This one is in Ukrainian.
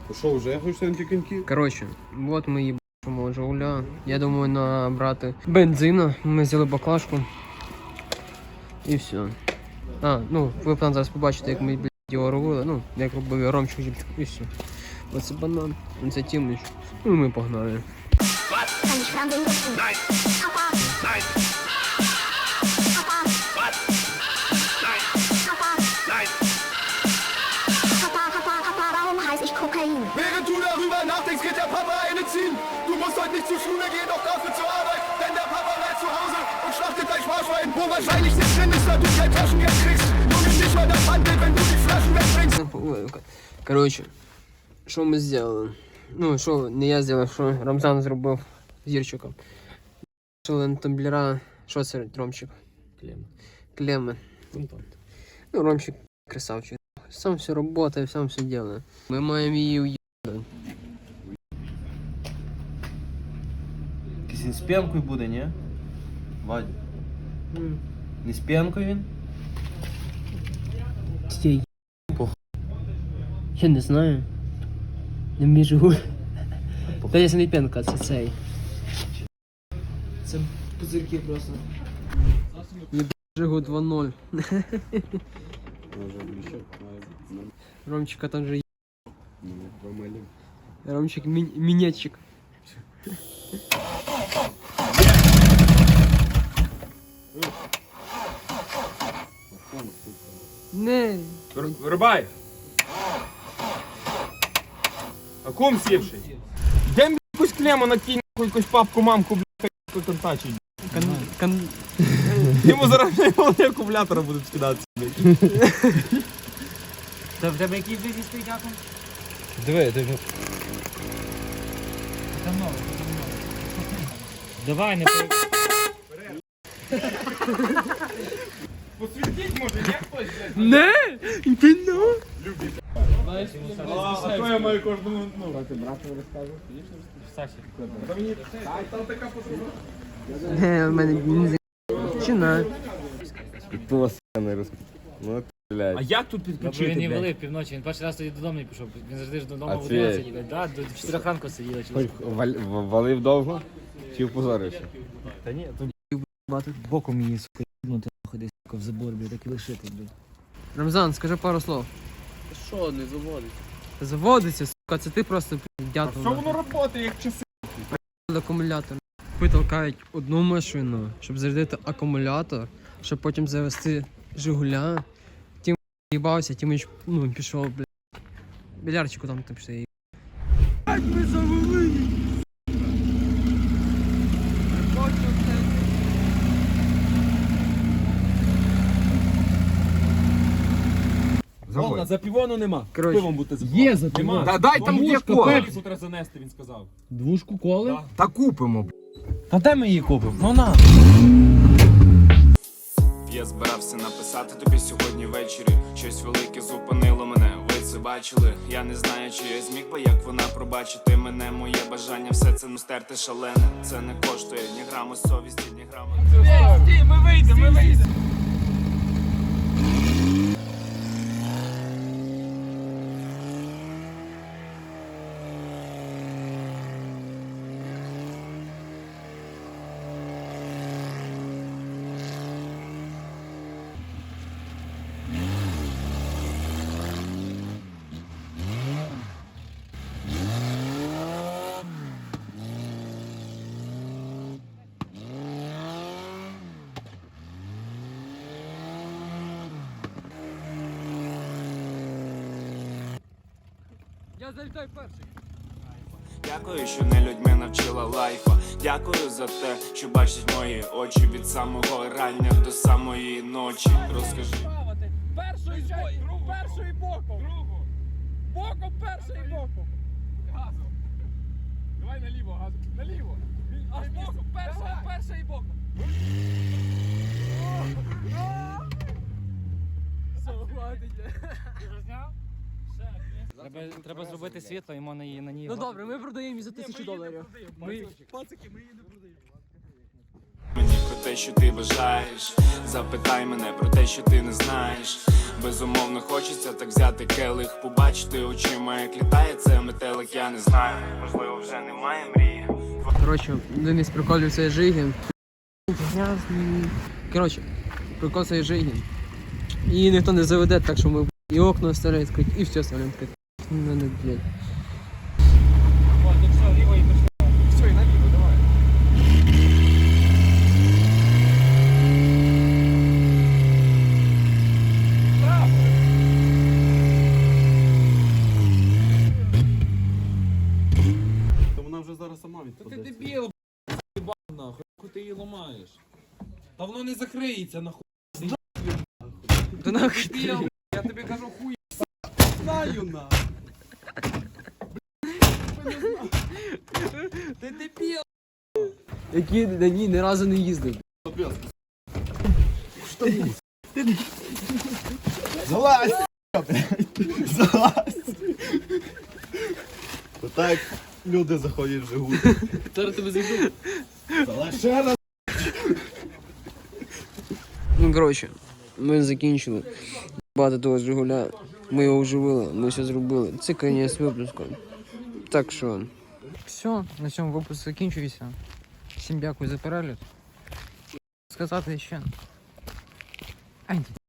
Що, вже хочеш на ті коньки? Коротше, от ми їбачимо Жигуля. Я думаю набрати бензина. Ми взяли баклажку. І все. Ну, ви там зараз побачите, як ми, його робили. Ну, як робив Ромчик, і все. Оце банан, це Тімич. Ну, ми погнали. Während du darüber nachdenkst, geht der Papa eine ziehen. Du musst heute nicht zur Schule gehen, doch dafür zur Arbeit. Denn der Papa bleibt zu Hause und schlachtet dein Sparschwein. Wo wahrscheinlich nicht drin ist, da du kein Taschengeld kriegst. Junge, nicht mal das Handel, wenn du die Flaschen wegbringst. Коротше, що ми зробили? Ну, що не я зробив, що Рамзан зробив з Юрчиком. Шили на тамблера. Що це, Ромчик? Клеми. Ну, Ромчик красавчик. Сам все работает, сам все делает. Мы маємо її уїбати. Якийсь з п'янкою буде, ні? Вадь. Не з п'янкою він? Стій. Я не знаю. Не міжу. Та я не п'янка, це цей. Це пузирки просто. Жигу 2-0. Ромчика там же Ромчик минетчик. Не. Вирубай! А кум сівший? Де якусь клему накинь, якусь папку, мамку, блядь, контачить. Йому зараз акумулятора будуть скидатися. Та в тебе який визі стоїть акум? Диви. Давно. Давай, не Посвітіть, може, є хтось, блядь? Не! Ти ну! А то я маю кожному, ну. Саші. Там така посуха. Не, в мене бензин. Чина. Пиво не розпить. Ну, блядь. А як тут Бо підключити, він не блядь? валив півночі, він перший раз тоді додому не пішов. Він завжди ж додому А в це- 11 їде. Да, до 4 ранку сиділи. Хоч валив довго? Чи впозорився? Та ні, тут Боком її, сука, їбнути, нахуй, сука, в забор, блядь, так і лишити, блядь. Рамзан, скажи пару слов. Що, не заводиться? Заводиться, сука, це ти просто дятел. що воно роботи, як часи? Акумулятор. Витолкають одну машину, щоб зарядити акумулятор, щоб потім завести Жигуля. Тім їбався, Тімич, ну, пішов, блядь. Білярчику там пішов. Як ми завели! Вона, за півону нема. Коротше, Пивом будете Є за Нема. Та дай там є кола. Тут треба занести, він сказав. Двушку коли? Да. Та купимо, б***. Та де ми її купимо? Ну на. Я збирався написати тобі сьогодні ввечері. Щось велике зупинило мене, ви це бачили. Я не знаю, чи я зміг би, як вона пробачити мене. Моє бажання все це стерти шалене. Це не коштує ні граму совісті, ні граму. Стій, ми вийдемо. Я залітаю перший. Дякую, що не людьми навчила лайфа. Дякую за те, що бачать мої очі від самого рання до самої ночі. Розкажи. Першою боком. Боком першою боком. Газом. Давай наліво, газом. Наліво. Аж боком. Першою боком. Все, хватить. Треба зробити світло і можна її на ній. Ну добре, ми продаємо її за $1000. Пацики, ми її не продаємо. Мені те, що ти бажаєш. Запитай мене про те, що ти не знаєш. Безумовно хочеться так взяти келих, побачити очима, як літає це метелик, я не знаю. Можливо, вже немає мрії. Коротше, один із приколів цієї жиги. Грязний. Коротше, прикол цієї жиги. Її ніхто не заведе, так що ми і окна оставляємо відкриті, і все оставляємо відкрити. Ну, не, блядь. Все, і наліво, давай. То вона вже зараз сама Та ти відпаде. дебіл, б***ь, нахуй, нахуй ти її ламаєш. Та воно не закриється, нахуй. Да нахуй. Дебіл, я тобі кажу, хуй. Знаю на! Ти дебіл. Який на ній ні разу не їздив. Залазь! Залазь! Отак люди заходять в Жигуль. Зараз тебе зайду. Залазь ще раз! Ну, коротше, ми закінчили. Багато того Жигуля. Ми його оживили, ми все зробили. Це кінець випуску. Так що. Все, на цьому випуск закінчується. Всім дякую за перегляд. Сказати ще. Ай,